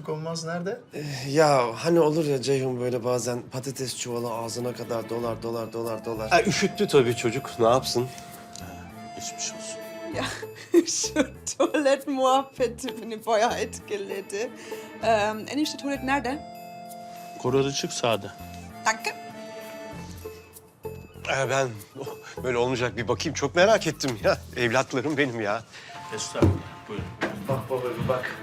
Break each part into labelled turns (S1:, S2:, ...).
S1: konuştuk olmaz. Nerede?
S2: Ya hani olur ya Ceyhun böyle bazen patates çuvalı ağzına kadar dolar.
S3: Ha, üşüttü tabii çocuk. Ne yapsın?
S1: Geçmiş olsun.
S4: Ya şu tuvalet muhabbeti beni bayağı etkiledi. Enişte tuvalet nerede?
S1: Koridor çık sağda.
S4: Danke.
S3: Ben böyle olmayacak bir bakayım. Çok merak ettim ya. Evlatlarım benim ya.
S1: Estağfurullah. Buyurun.
S2: Bak baba bir bak.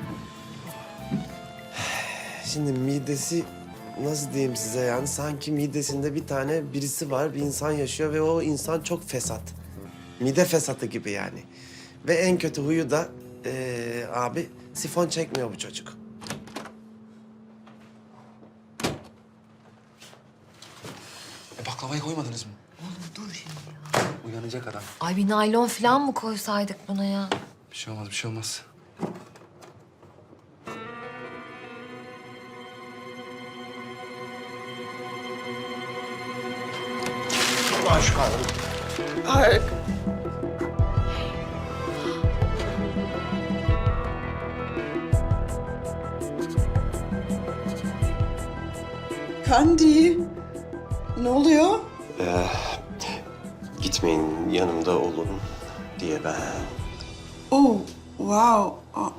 S2: Şimdi midesi nasıl diyeyim size yani sanki midesinde bir tane birisi var, bir insan yaşıyor ve o insan çok fesat. Mide fesatı gibi yani. Ve en kötü huyu da abi sifon çekmiyor bu çocuk.
S5: Baklavayı koymadınız mı?
S6: Oğlum dur şimdi ya.
S5: Uyanacak adam.
S6: Ay bir naylon falan mı koysaydık buna ya?
S5: Bir şey olmaz, bir şey olmaz.
S3: Ulan şu karnım.
S4: Harika. Kandi. Ne oluyor?
S3: Gitmeyin, yanımda olun diye ben.
S4: Oh, wow. Aa.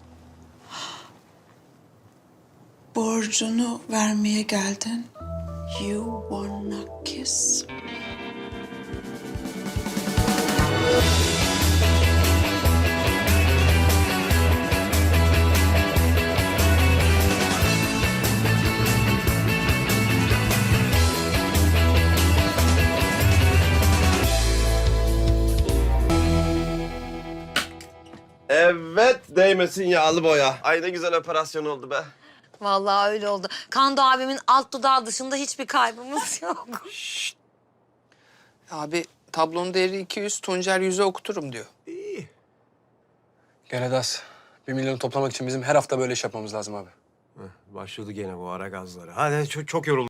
S4: Borcunu vermeye geldin. You wanna kiss?
S2: Evet değmesin yağlı boya. Ay ne güzel operasyon oldu be.
S6: Vallahi öyle oldu. Kando abimin alt dudağı dışında hiçbir kaybımız yok.
S7: Abi tablonun değeri 200, Tuncer 100'e okuturum diyor.
S5: Gel Edas. 1 milyonu toplamak için bizim her hafta böyle iş yapmamız lazım abi.
S3: Başladı gene bu ara gazları. Hadi çok yoruldum.